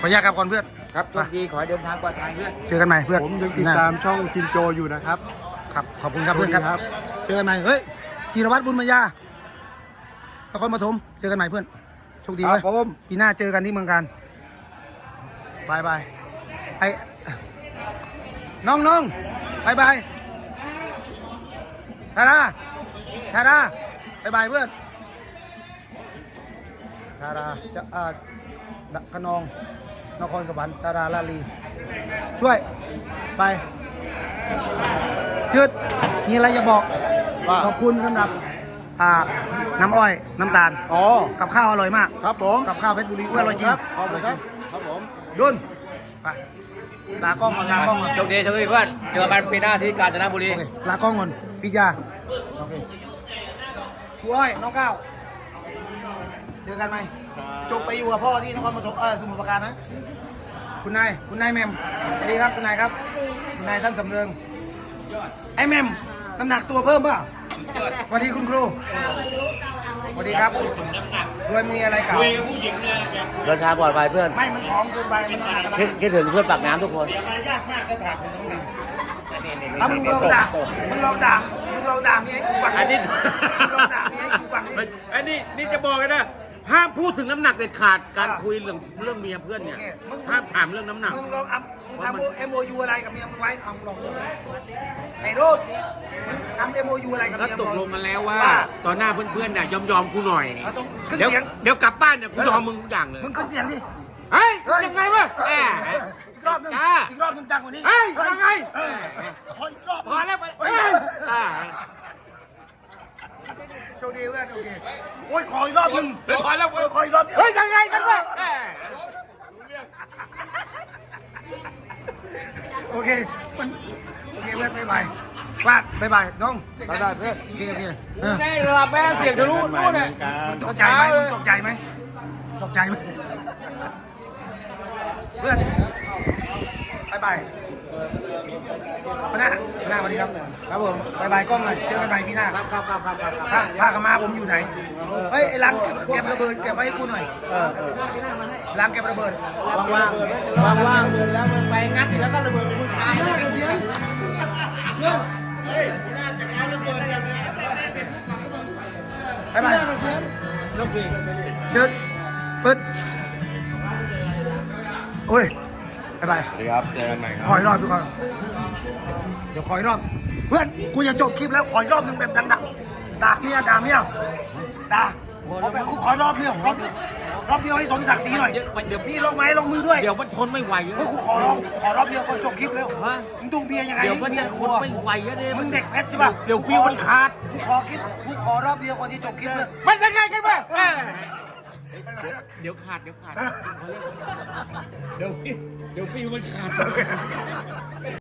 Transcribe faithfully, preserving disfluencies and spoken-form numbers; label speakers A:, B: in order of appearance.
A: ขออนุญาตครับก่อนเพื่อน
B: ครับโชคดีขอให้เดินทางปลอดภัยเพื่อน
A: เจอกันใหม่เพื่อน
C: ผมยังติดตามช่องชินโจอยู่นะครับ
A: ครับขอบคุณครับเพื่อนครับ
C: สวัสดีครับ
A: เจอกันใหม่เฮ้ยธีรวัตรบุญมายานครปฐมเจอกันใหม่เพื่อนโชคดี
C: ค
A: เว้
C: รั
A: ย
C: บผม
A: ปีหน้าเจอกันที่เมืองการบายบายไอ้น้องน้องบายบายทาราทาราบายบายเพื่อนทาราจะอ่าขนองนครสวรรค์ทาราลาลีช่วยไปยืดมีอะไรจะบอก
C: ว่า
A: ขอบคุณสำหรับอ่าน้ำอ้อยน้ำตาล
C: อ๋อ
A: กับข้าวอร่อยมาก
C: ครับผม
A: กับข้าวเพชรบุรีอร่อยจริง
C: ครับขอบคุณครับครับผม
A: ดุนไปลากล้องก่อนลากล้องก่อน
B: โชคดีโชคดีเพื่อนเจอกันปีหน้าที่กาญจนบุรี
A: โอเคลากล้องก่อนปิยาโอเคครูอ้อยน้องก้าวเจอกันไหมจบไปอยู่กับพ่อที่นครปฐมเออสมุทรปราการนะคุณนายคุณนายแมมสวัสดีครับคุณนายครับคุณนายท่านสำเริงไอ้แมมน้ำหนักตัวเพิ่มป่ะสวัสดีคุณครูสวัสดีครับด้วยมีอะไรเก่า
D: เดินทางปลอดภัยเพื่อน
A: ไม่มันผอมเกินไปมันต้องหนักอะไร
D: คิดคิดถึงเพื่อนปากน้ำทุกคน
A: เอามึงลองด่ามึงลองด่ามึงลองด่าเมียให้กูฟัง
E: อันนี้
A: มึงลองด่าเมียให้กูฟังดิ
E: อันนี้นี่จะบอกเลยนะห้ามพูดถึงน้ำหนักเด็ดขาดการ
A: อ่า
E: คุยเรื่องเรื่องเมียเพื่อนเนี่ย
A: โอเคมึง
E: ห้ามถามเรื่องน้ำหนัก
A: มึงลองอัพมึงทำเอ็มโอยูอะไรกับเมียมึงไว้เอามึงลองดูเลยไอ้โรดมึงทำเอ็มโอยูอะไรกับ
E: ก็
A: เมีย
E: ต
A: มึ
E: ก
A: ง
E: ลงกันแล้วว่า
A: ว่า
E: ต่อหน้าเพื่อนๆเนี่ยยอมยอมๆกูหน่อย
A: เอาตรงขึ้น
E: เดี๋ยว
A: เสียง
E: เดี๋ยวกลับบ้านเนี่ยกูยอมมึงทุกอย่างเลย
A: มึงขึ้นเสียงดิ
E: เฮ้ย
A: เฮ้ย
E: ยังไงวะแหม
A: อีกรอบหนึง
E: จ้า
A: อีกรอบหนึงดังกว่านี้
E: เฮ้ยยังไง
A: เออขออีกรอบ
E: พอแล้วไป
A: เฮ้ย
E: เฮ้ยอ่า
A: โชคดีเพื่อนโอเคโอ้ยขออีกรอบหนึง
E: พอแล้ว
A: เออขออีกรอบเดียว
E: เฮ้ยยังไงกันวะแหม
A: โอเคมันโอเคเพื่อนบ๊ายบายพลาดบ๊ายบายน้อง
B: บ๊ายบายเพื่อน
A: โอเคโอเคเออ
B: ได้ระดับแม่เสียงทะลุนู่นน่ะ
A: มึงตกใจไหมมึงตกใจไหมตกใจไหมเพื่อนบายบายมาหน้ามาหน้าสวัสดีครับ
B: ครับผม
A: บายบายกล้องหน่อยเจอกันใหม่พี่หน้า
B: ครับครับครับครับครับ
A: ผ้าผ้าขาวมาผมอยู่ไหนเฮ้ยไอ้ลังเก็บเก็บระเบิดเก็บไว้ให้กูหน่อย
B: เออ
A: ลังเก็บระเบิด
B: ว่างว่างว่างๆแล้วมันไปงัดแล้วก็ระเบิดมึงตายแล้วเสียง
A: บายบาย
B: ลูกพี่
A: เดินปึ๊ดโอ้ยบายบาย
C: สวัสดีครับเจอกันใหม่ครับ
A: ขออีกรอบทุกคนเดี๋ยวขออีกรอบเพื่อนกูจะจบคลิปแล้วขออีกรอบหนึ่งแบบดังๆด่าเมียด่าเมียด่าขอแบบกูขอรอบเดียวรอบเดียวรอบเดียวให้สมศักดิ์ศรีหน่อย
E: เดี๋ยวเดี๋ยว
A: นี่ลงไม้ลงมือด้วย
E: เดี๋ยวมันทนไม่ไหว
A: เฮ้ยกูขอร้องขอรอบเดียวก็จบคลิปแล้ว
E: ฮะ
A: มึงดูเบียร์ยังไง
E: เดี๋ยวมัน
A: เบีย
E: จะ
A: ร์
E: ท
A: กลั
E: น
A: ว
E: ไม่ไหวอะเนี่ย
A: มึงเด็กเพชรใช่ป่ะ
E: เดี๋ยวฟิวมันขาด
A: กูขอคิดกูขอรอบเดียวก่อนที่จบคลิปเลย
E: มันยังไงกันวะแหมเดี๋ยวขาดเดี๋ยวขาดเดี๋ยวฟิวเดี๋ยวฟิวมันขาด